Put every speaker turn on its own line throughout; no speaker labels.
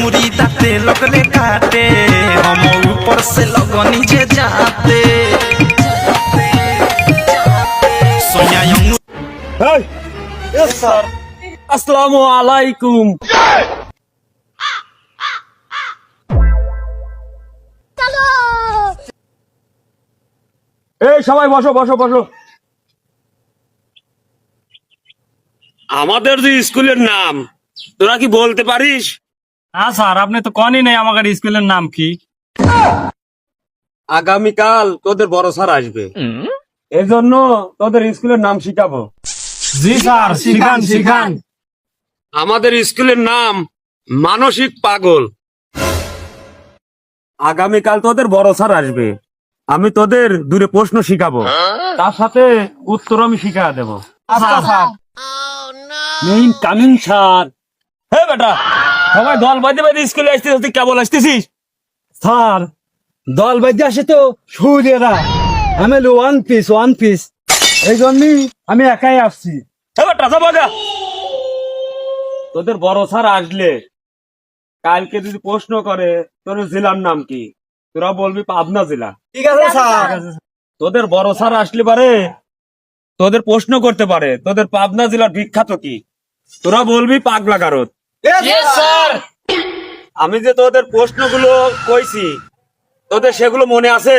अंगूरी दाते लगले काटे हम ऊपर से लगनी जे जाते सोनिया अंगूरी
यस सर আসসালামু আলাইকুম এই সবাই বসো বসো বসো আমাদের যে স্কুলের নাম তোরা কি বলতে পারিস?
হ্যাঁ স্যার, আপনি তো কনই নাই আমাদের স্কুলের নাম কি।
আগামীকাল তোদের বড় স্যার আসবে, এজন্য তোদের স্কুলের নাম শিখাবো।
জি স্যার, শিখান শিখান।
আমাদের স্কুলের নাম মানসিক পাগল। আগামীকাল তোদের বড় স্যার আসবে, আমি তোদের দূরে প্রশ্ন শিখাবো, তার সাথে উত্তর আমি শিখা দেবো।
আচ্ছা স্যার।
মেইন কামিং স্যার। হে বেটা, সবাই দল বাঁধে বাঁধে স্কুলে আসতেছিস, তুই কেবল আসতেছিস?
স্যার দল বাজে আসে তো সূর্যেরা, আমি ওয়ান পিস এই জন্যই আমি একাই আসছি।
হে বেটা, যা বাজা। তোদের বড় স্যার আসলে কালকে যদি প্রশ্ন করে তোর জেলার নাম কি, তোরা বলবি পাবনা জেলা।
ঠিক আছে স্যার।
তোদের বড় স্যার আসলে পারে তোদের প্রশ্ন করতে পারে তোদের পাবনা জেলার বিখ্যাত কি, তোরা বলবি পাগলা গারদ। আমি যে তোদের প্রশ্নগুলো কইছি তোদের সেগুলো মনে আছে?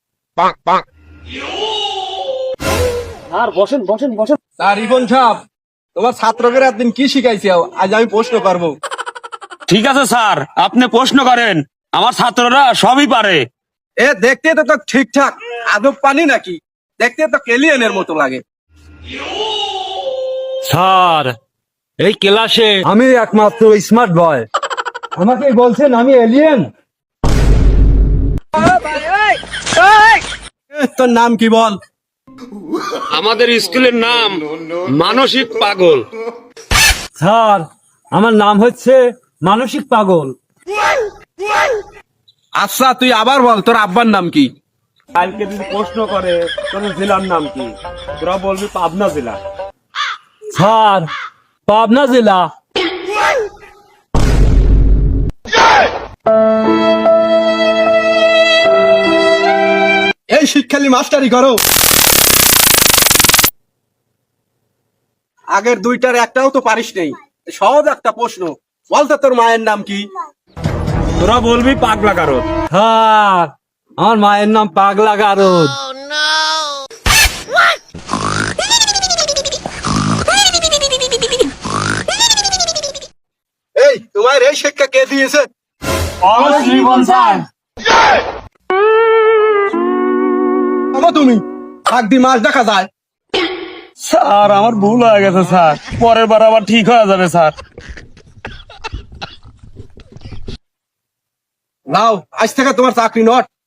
আর বসেন বসেন বসেন। স্যার রিপন সাহেব, তোমার ছাত্রকে একদিন কি শিখাইছি আজ আমি প্রশ্ন করবো।
ঠিক আছে স্যার, আপনি প্রশ্ন করেন, আমার ছাত্ররা সবই পারে।
এ দেখতে তো ঠিকঠাক আদব পানি নাকি, দেখতে তো কেলিয়ানের মতো লাগে।
স্যার এই ক্লাসে
আমি একমাত্র স্মার্ট বয়, আমাকে বলছেন আমি এলিয়েন? তোর নাম কি বল?
আমাদের স্কুলের নাম মানসিক পাগল।
স্যার আমার নাম হচ্ছে মানসিক পাগল। আচ্ছা তুই আবার বল তোর আব্বার নাম কি?
কালকে যদি প্রশ্ন করে তোর জেলার নাম কি, তোরা বলবি পাবনা জেলা।
স্যার পাবনা জেলা। এই শিক্ষালি মাস্টারি করো, আগের দুইটার একটাও তো পারিস নেই। সহজ একটা প্রশ্ন, বলতো তোর মায়ের নাম কি?
তোরা বলবি পাগলা গারদ।
স্যার আমার মায়ের নাম পাগলা গারদ। এই তোমার এই শিক্ষা কে দিয়েছে? তুমি একদি মাছ দেখা যায়।
স্যার আমার ভুল হয়ে গেছে স্যার, পরের বার আবার ঠিক হয়ে যাবে স্যার।
নাও আজ থেকে তোমার চাকরি নট।